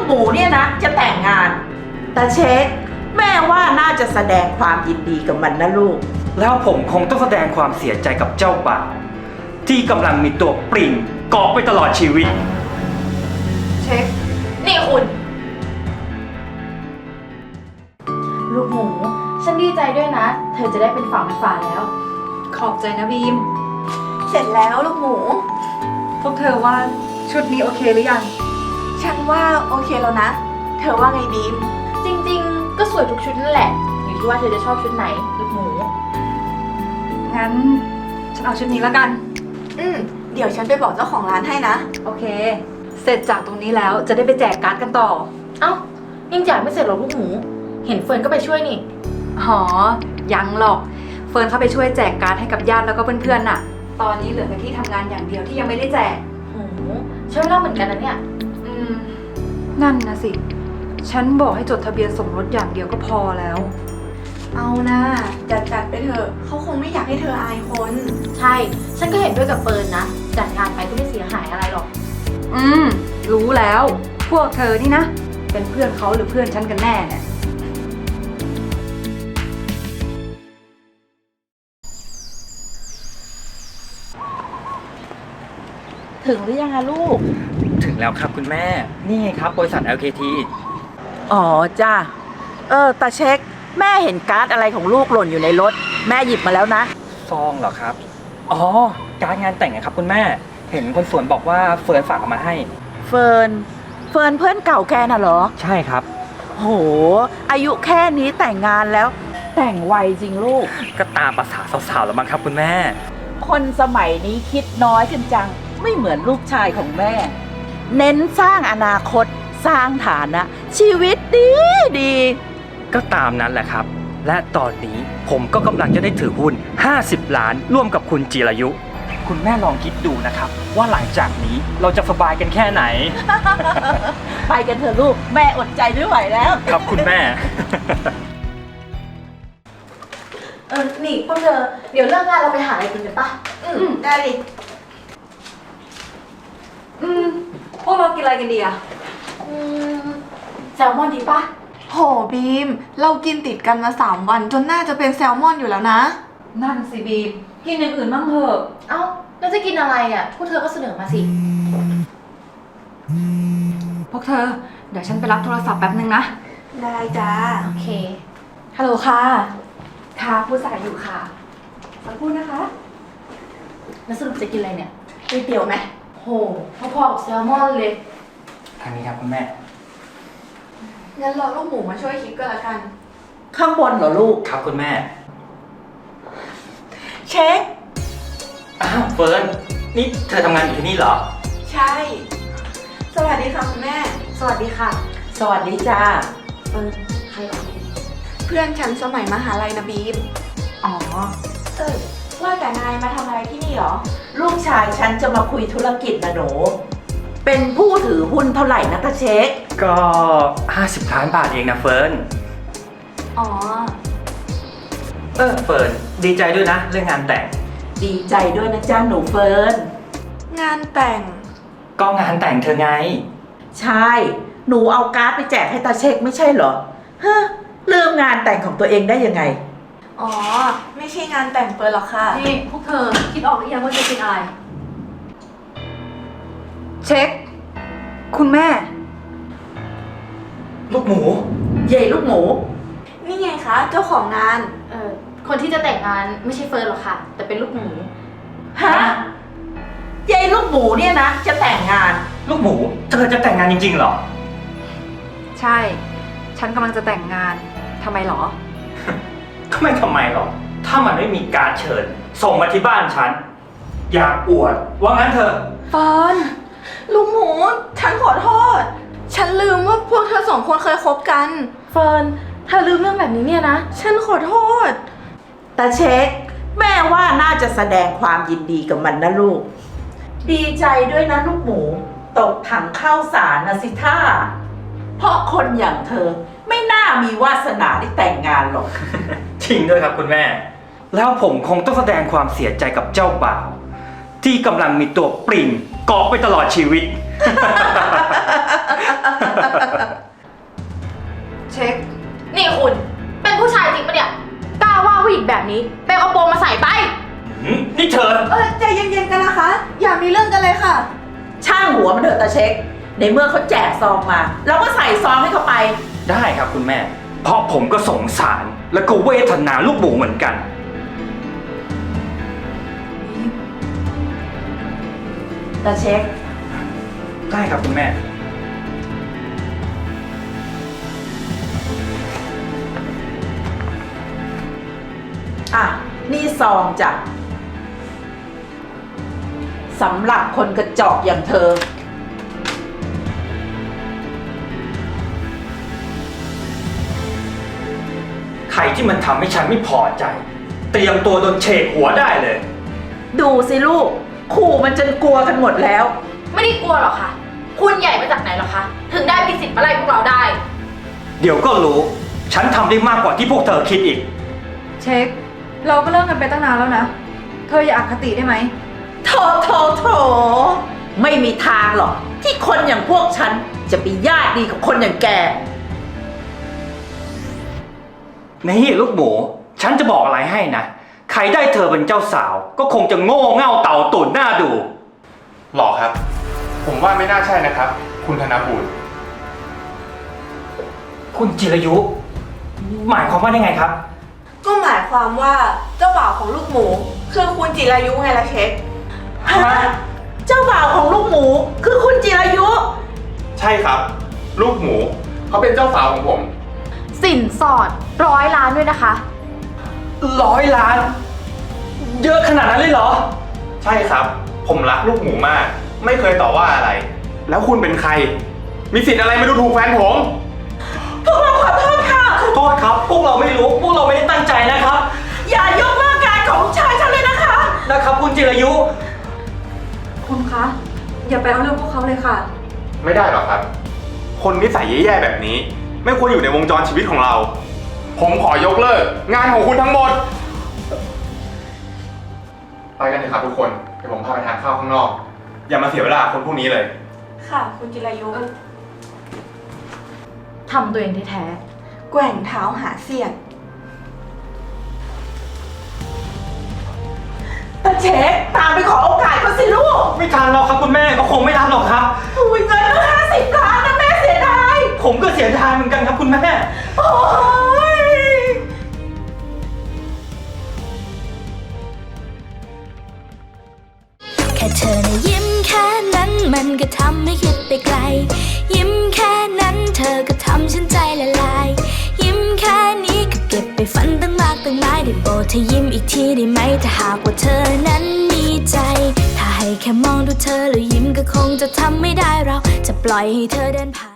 หมูเนี่ยนะจะแต่งงานตาเช็คแม่ว่าน่าจะแสดงความยินดีกับมันนะลูกแล้วผมคงต้องแสดงความเสียใจกับเจ้าบ่าวที่กำลังมีตัวปริ่งเกาะไปตลอดชีวิตเช็คนี่คุณลูกหมูฉันดีใจด้วยนะเธอจะได้เป็นฝั่งเป็นฝาแล้วขอบใจนะบีมเสร็จแล้วลูกหมูพวกเธอว่าชุดนี้โอเคหรือยังฉันว่าโอเคแล้วนะเธอว่าไงบีมจริงๆก็สวยทุกชุดนั่นแหละอยู่ที่ว่าเธอจะชอบชุดไหนลูกหมูงั้นฉันเอาชุดนี้แล้วกันเดี๋ยวฉันไปบอกเจ้าของร้านให้นะโอเคเสร็จจากตรงนี้แล้วจะได้ไปแจกการ์ดกันต่อเอ้ายังแจกไม่เสร็จหรอลูกหมูเห็นเฟิร์นก็ไปช่วยนี่อ๋อยังหรอกเฟิร์นเข้าไปช่วยแจกการ์ดให้กับญาติแล้วก็เพื่อนๆน่ะตอนนี้เหลือแต่ที่ทำงานอย่างเดียวที่ยังไม่ได้แจกโหใช้เวลาเหมือนกันนะเนี่ยนั่นนะสิฉันบอกให้จดทะเบียนสมรสอย่างเดียวก็พอแล้วเอานะจัดไปเถอะเขาคงไม่อยากให้เธออายคนใช่ฉันก็เห็นด้วยกับเฟิร์นนะจัดงานไปก็ไม่เสียหายอะไรหรอกรู้แล้วพวกเธอนี่นะเป็นเพื่อนเขาหรือเพื่อนฉันกันแน่เนี่ยถึงหรือยังอะลูกถึงแล้วครับคุณแม่นี่ไงครับบริษัท LKT อ๋อจ้าตาเช็คแม่เห็นการ์ดอะไรของลูกหล่นอยู่ในรถแม่หยิบมาแล้วนะซองเหรอครับอ๋อการ์ดงานแต่งนะครับคุณแม่เห็นคนสวนบอกว่าเฟิร์นฝากเอามาให้เฟิร์นเพื่อนเก่าแกน่ะเหรอใช่ครับโหอายุแค่นี้แต่งงานแล้วแต่งไวจริงลูกก็ตามภาษาสาวๆแล้วมั้งครับคุณแม่คนสมัยนี้คิดน้อยกันจังไม่เหมือนลูกชายของแม่เน้นสร้างอนาคตสร้างฐานะชีวิตดีก็ตามนั้นแหละครับและตอนนี้ผมก็กำลังจะได้ถือหุ้น50 ล้านร่วมกับคุณจิรายุคุณแม่ลองคิดดูนะครับว่าหลังจากนี้เราจะสบายกันแค่ไหนไปกันเถอะลูกแม่อดใจไม่ไหวแล้วครับคุณแม่นี่พวกเธอเดี๋ยวเลิกงานเราไปหาอะไรกินกันปะได้ดิพวกเรากินอะไรกันดีอะแซลมอนดีปะโหบีมเรากินติดกันมา3 วันจนน่าจะเป็นแซลมอนอยู่แล้วนะนั่นสิบีมกินอย่างอื่นบ้างเถอะเอ้าแล้วจะกินอะไรอ่ะพวกเธอก็เสนอมาสิพวกเธอเดี๋ยวฉันไปรับโทรศัพท์แป๊บนึงนะได้จ้าโอเคฮัลโหลค่ะค่ะผู้สายอยู่ค่ะสักครู่นะคะแล้วสรุปจะกินอะไรเนี่ยก๋วยเตี๋ยวไหมโหพอๆกับแซลมอนเลยทางนี้ครับคุณแม่งั้นรอลูกหมูมาช่วยคิดก็แล้วกันข้างบนเหรอลูกครับคุณแม่เช็คอ้าวเฟิร์นนี่เธอทำงานอยู่ที่นี่เหรอใช่สวัสดีค่ะคุณแม่สวัสดีค่ะสวัสดีจ้าใครเหรอเพื่อนฉันสมัยมหาลัยนะบีมอ๋อว่าแต่นายมาทำอะไรที่นี่เหรอลูกชายฉันจะมาคุยธุรกิจนะหนูเป็นผู้ถือหุ้นเท่าไหร่นะตาเช็คก็50 ล้านบาทเองนะเฟิร์นอ๋อเฟิร์นดีใจด้วยนะเรื่องงานแต่งดีใจด้วยนะจ้าหนูเฟิร์นงานแต่งก็งานแต่งเธอไงใช่หนูเอาการ์ดไปแจกให้ตาเช็คไม่ใช่เหรอฮะลืมงานแต่งของตัวเองได้ยังไงอ๋อไม่ใช่งานแต่งเฟิร์นหรอกค่ะนี่พวกเธอคิดออกหรือยังว่าจะกินอะไรเช็คคุณแม่ลูกหมูเย่ลูกหมูนี่ไงคะเจ้าของงานคนที่จะแต่งงานไม่ใช่เฟิร์นหรอกค่ะแต่เป็นลูกหมูฮะเย่ลูกหมูเนี่ยนะจะแต่งงานลูกหมูเธอจะแต่งงานจริงๆเหรอใช่ฉันกำลังจะแต่งงานทำไมหรอก็ไม่ทำไมหรอกถ้ามันไม่มีการเชิญส่งมาที่บ้านฉันอยากอวดว่างั้นเถอะเฟิร์นลูกหมูฉันขอโทษฉันลืมว่าพวกเธอ2 คนเคยคบกันเฟิร์นเธอลืมเรื่องแบบนี้เนี่ยนะฉันขอโทษตาเช็คแม่ว่าน่าจะแสดงความยินดีกับมันนะลูกดีใจด้วยนะลูกหมูตกถังข้าวสารนะสิท่าเพราะคนอย่างเธอไม่น่ามีวาสนาได้แต่งงานหรอกจริงด้วยครับคุณแม่แล้วผมคงต้องแสดงความเสียใจกับเจ้าบ่าวที่กำลังมีตัวปริ่งเกาะไปตลอดชีวิตเช็คนี่คุณ เป็นผู้ชายจริงปะเนี่ย กล้าว่าผู้หญิงแบบนี้ไปเอากระโปรงมาใส่ไปนี่เธอใจเย็นๆกันนะคะ อย่ามีเรื่องกันเลยค่ะช่างหัวมันเถอะตาเช็ค ในเมื่อเขาแจกซองมาเราก็ใส่ซองให้เขาไปได้ครับคุณแม่ เพราะผมก็สงสารแล้วก็เวทนาลูกหมูเหมือนกันตาเช็คได้ครับคุณแม่อ่ะ นี่ซองจ้ะสำหรับคนกระจอกอย่างเธอใครที่มันทำให้ฉันไม่พอใจ เตรียมตัวโดนเฉกหัวได้เลยดูสิลูก ขู่มันจนกลัวกันหมดแล้วไม่ได้กลัวหรอกค่ะ คุณใหญ่มาจากไหนหรอคะ ถึงได้มีสิทธิ์มาไล่พวกเราได้เดี๋ยวก็รู้ ฉันทำได้มากกว่าที่พวกเธอคิดอีกเช็ค เราก็เลิกกันไปตั้งนานแล้วนะ เธออย่าอคติได้ไหมโถ ไม่มีทางหรอก ที่คนอย่างพวกฉันจะไปญาติดีกับคนอย่างแกนี่ลูกหมู ฉันจะบอกอะไรให้นะ ใครได้เธอเป็นเจ้าสาว ก็คงจะโง่เง่าเต่าตุ่นหน้าดูหรอครับ ผมว่าไม่น่าใช่นะครับ คุณธนบูรณ์คุณจิรายุ หมายความว่าได้ไงครับก็หมายความว่าเจ้าบ่าวของลูกหมู คือคุณจิรายุไงล่ะเช็คฮะ เจ้าบ่าวของลูกหมู คือคุณจิรายุใช่ครับ ลูกหมูเขาเป็นเจ้าสาวของผมสินสอด100 ล้านด้วยนะคะ 100 ล้าน เยอะขนาดนั้นเลยเหรอใช่ครับ ผมรักลูกหมูมาก ไม่เคยต่อว่าอะไร แล้วคุณเป็นใคร มีสิทธิ์อะไรมาดูถูกแฟนผมพวกเราขอโทษค่ะขอโทษครับ พวกเราไม่รู้ พวกเราไม่ได้ตั้งใจนะครับอย่ายกเลิกการของชายฉันเลยนะคะนะครับคุณจิรายุคุณคะ อย่าไปเอาเรื่องพวกเขาเลยค่ะไม่ได้หรอกครับ คนนิสัยแย่ๆแบบนี้ ไม่ควรอยู่ในวงจรชีวิตของเรา ผมขอยกเลิก งานของคุณทั้งหมด ไปกันเถอะครับทุกคน เดี๋ยวผมพาไปทานข้าวข้างนอก อย่ามาเสียเวลาคนพวกนี้เลยค่ะ คุณจิรายุทำตัวเองแท้แกว่งเท้าหาเสียดตาเช็ค ตามไปขอโอกาสเขาสิลูกไม่ทันหรอกครับคุณแม่ ก็คงไม่ทันหรอกครับอุ้ยเงินตั้ง50 ล้านนะแม่เสียดายผมก็เสียดายเหมือนกันครับคุณแม่โอ้ยแค่เธอนะยิ้มแค่นั้นมันก็ทำให้คิดไปไกล ยิ้มแค่นั้นเธอก็ทำฉันใจละลาย ยิ้มแค่นี้ก็เก็บไปฝันตั้งมากตั้งหลายได้โปรดเธอยิ้มอีกทีได้ไหมถ้าหากว่าเธอนั้นมีใจ ถ้าให้แค่มองดูเธอแล้วยิ้มก็คงจะทำไม่ได้เราจะปล่อยให้เธอเดินผ่าน